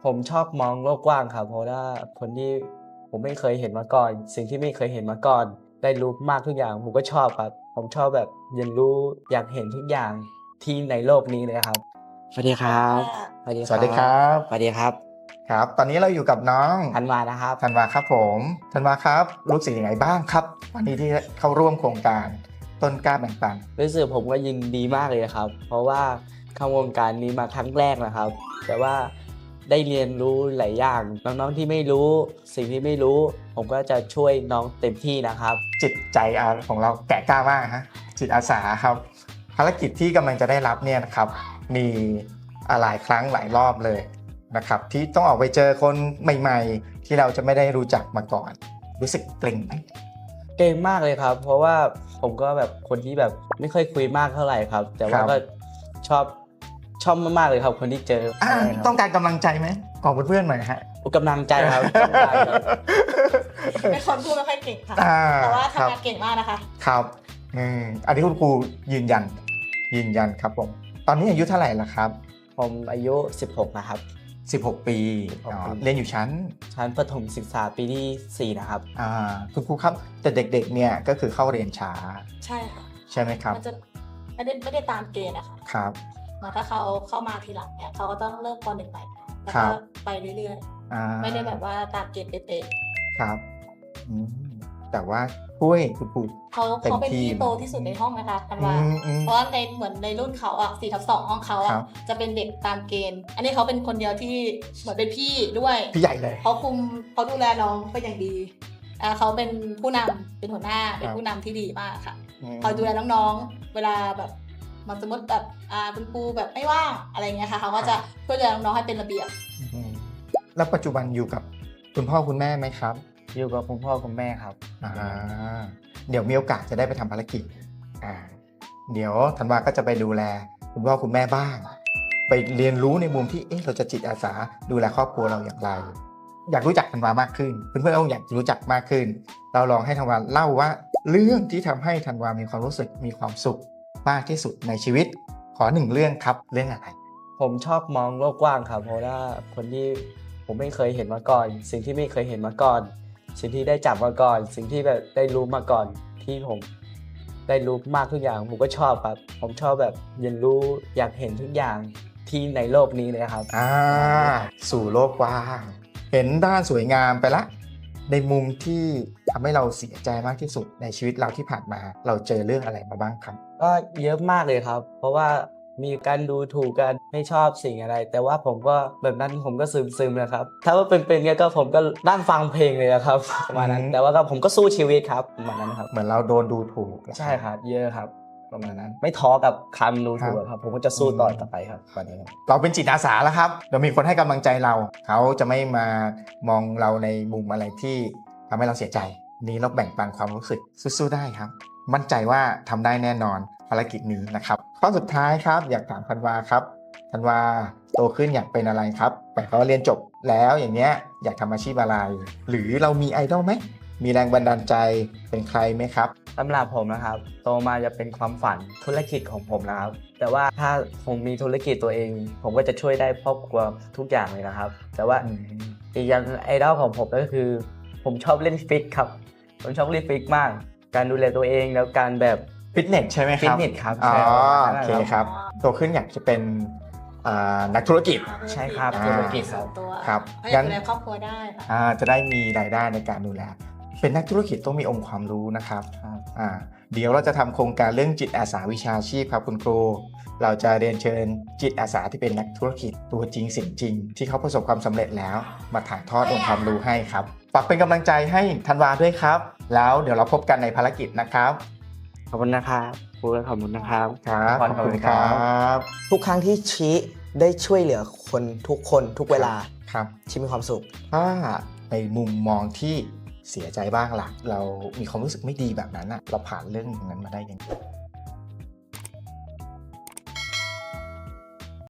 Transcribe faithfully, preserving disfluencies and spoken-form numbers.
ผมชอบมองโลกกว้างครับเพราะว่าคนที่ผมไม่เคยเห็นมาก่อน สิ่งที่ไม่เคยเห็นมาก่อน ได้รู้มากทุกอย่างผมก็ชอบครับผมชอบแบบเรียนรู้อยากเห็นทุกอย่างที่ในโลกนี้เลยครับสวัสดีครับสวัสดีสวัสดีครับสวัสดีครับครับ ตอนนี้เราอยู่กับน้องธันวานะครับธันวาครับผมธันวาครับรู้สึกยังไงบ้างครับวันนี้ที่เข้าร่วมโครงการต้นกล้าแบ่งปันรู้สึกผมก็ยินดีมากเลยครับ เพราะว่าเข้าวงการนี้มาครั้งแรกนะครับ แต่ว่าได้เรียนรู้หลายอย่างน้องๆที่ไม่รู้สิ่งที่ไม่รู้ ผมก็จะช่วยน้องเต็มที่นะครับจิตใจของเราแก่กล้ามากฮะจิตอาสาครับภารกิจที่กำลังจะได้รับเนี่ยนะครับมีหลายครั้งหลายรอบเลยนะครับที่ต้องออกไปเจอคนใหม่ๆที่เราจะไม่ได้รู้จักมาก่อนรู้สึกเกรงไหมเก่งมากเลยครับ เพราะว่าผมก็แบบคนที่แบบไม่ค่อยคุยมากเท่าไหร่ครับ แต่ว่าก็ชอบชอบมากๆเลยครับคนที่เจออต้องการกำลังใจไหมของเพื่อนๆหน่อยฮะกำลังใจครับเป็นคนพูดไม่ค่อยเก่งค่ะแต่ว่าทำงานเก่งมากนะคะครับอืมอันนี้คุณครูยืนยันยืนยันครับผมตอนนี้อายุเท่าไหร่ละครับผมอายุสิบหกนะครับสิบหกปีเรียนอยู่ชั้นชั้นประถมศึกษาปีที่สี่นะครับอ่าคุณครูครับแต่เด็กๆเนี่ยก็คือเข้าเรียนช้าใช่ค่ะใช่ไหมครับมันจะไม่ได้ไม่ได้ตามเกณฑ์นะคะครับถ้าเขาเข้ามาทีหลังเนี่ยเขาก็ต้องเริ่มป.หนึ่งใหม่แล้วก็ไปเรื่อยๆไม่ได้แบบว่าตามเกณฑ์เป๊ะๆครับแต่ว่าช่วยคุณครูเขาเขาเป็นพี่โตที่สุดในห้องนะคะธันวาเพราะว่าในเหมือนในรุ่นเขาอ่ะสี่ทับสองห้องเขาอ่ะจะเป็นเด็กตามเกณฑ์อันนี้เขาเป็นคนเดียวที่เหมือนเป็นพี่ด้วยพี่ใหญ่เลยเขาคุมเขาดูแลน้องเป็นอย่างดีอ่าเขาเป็นผู้นำเป็นหัวหน้าเป็นผู้นำที่ดีมากค่ะคอยดูแลน้องๆเวลาแบบมันสมมติแบบอ่าคุณครูแบบไม่ว่างอะไรเงี้ยค่ะเขาก็จะช่วยดูแลน้องๆให้เป็นระเบียบแล้วปัจจุบันอยู่กับคุณพ่อคุณแม่ไหมครับอยู่กับคุณพ่อคุณแม่ครับอ่าเดี๋ยวมีโอกาสจะได้ไปทำภารกิจอ่าเดี๋ยวธันวาก็จะไปดูแลคุณพ่อคุณแม่บ้างไปเรียนรู้ในมุมที่เอ๊ะเราจะจิตอาสาดูแลครอบครัวเราอย่างไรอยากรู้จักธันวามากขึ้นเพื่อนๆก็อยากรู้จักมากขึ้นเราลองให้ธันวาเล่าว่าเรื่องที่ทำให้ธันวามีความรู้สึกมีความสุขมากที่สุดในชีวิตขอหนึ่งเรื่องครับเรื่องอะไรผมชอบมองโลกกว้างครับเพราะว่าคนที่ผมไม่เคยเห็นมาก่อน สิ่งที่ไม่เคยเห็นมาก่อนสิ่งที่ได้จับมาก่อนสิ่งที่แบบได้รู้มาก่อนที่ผมได้รู้มากทุกอย่างผมก็ชอบครับผมชอบแบบเรียนรู้อยากเห็นทุกอย่างที่ในโลกนี้เลยครับอ่าสู่โลกกว้างเห็นด้านสวยงามไปละในมุมที่ทำให้เราเสียใจมากที่สุดในชีวิตเราที่ผ่านมาเราเจอเรื่องอะไรมาบ้างครับก็เยอะมากเลยครับเพราะว่ามีการดูถูกกันไม่ชอบสิ่งอะไรแต่ว่าผมก็แบบนั้นผมก็ซึมๆนะครับถ้าว่าเป็นๆเงี้ยก็ผมก็นั่งฟังเพลงเลยครับประมาณนั้นแต่ว่าก็ผมก็สู้ชีวิตครับประมาณนั้นครับเหมือนเราโดนดูถูกใช่ครับเยอะครับประมาณนั้นไม่ท้อกับคำดูถูกครับผมก็จะสู้ต่อต่อไปครับวันนี้เราเป็นจิตอาสาแล้วครับเรามีคนให้กำลังใจเราเขาจะไม่มามองเราในมุมอะไรที่ทำให้เราเสียใจนี้เราแบ่งปันความรู้สึกสู้ๆได้ครับมั่นใจว่าทำได้แน่นอนภารกิจนี้นะครับข้อสุดท้ายครับอยากถามธันวาครับธันวาโตขึ้นอยากเป็นอะไรครับแต่เขาเรียนจบแล้วอย่างเนี้ยอยากทำอาชีพอะไรหรือเรามีไอดอลไหมมีแรงบันดาลใจเป็นใครไหมครับสำหรับผมนะครับโตมาจะเป็นความฝันธุรกิจของผมนะครับแต่ว่าถ้าผมมีธุรกิจตัวเองผมก็จะช่วยได้ครอบครัวทุกอย่างเลยนะครับแต่ว่าอีกอย่างไอดอลของผมก็คือผมชอบเล่นฟิตครับผมชอบเล่นฟิตมากการดูแลตัวเองแล้วการแบบฟิตเนสใช่ไหมครับฟิตเนสครับอ๋อโอเคครับโตขึ้นอยากจะเป็นนักธุรกิจใช่ครับธุรกิจครับครับงั้นดูแลครอบครัวได้ค่ะจะได้มีรายได้ในการดูแลเป็นนักธุรกิจต้องมีองค์ความรู้นะครับอ่าเดี๋ยวเราจะทำโครงการเรื่องจิตอาสาวิชาชีพครับคุณครูเราจะเรียนเชิญจิตอาสาที่เป็นนักธุรกิจตัวจริงสิ่งจริงที่เขาประสบความสำเร็จแล้วมาถ่ายทอดองค์ความรู้ให้ครับฝากเป็นกำลังใจให้ธันวาด้วยครับแล้วเดี๋ยวเราพบกันในภารกิจนะครับขอบคุณนะครับครูขอบคุณนะครับครับขอบคุณครับทุกครั้งที่ชี้ได้ช่วยเหลือคนทุกคนทุกเวลาครับชี้มีความสุขถ้าในมุมมองที่เสียใจบ้างล่ะเรามีความรู้สึกไม่ดีแบบนั้นอะเราผ่านเรื่องนั้นมาได้ยังไง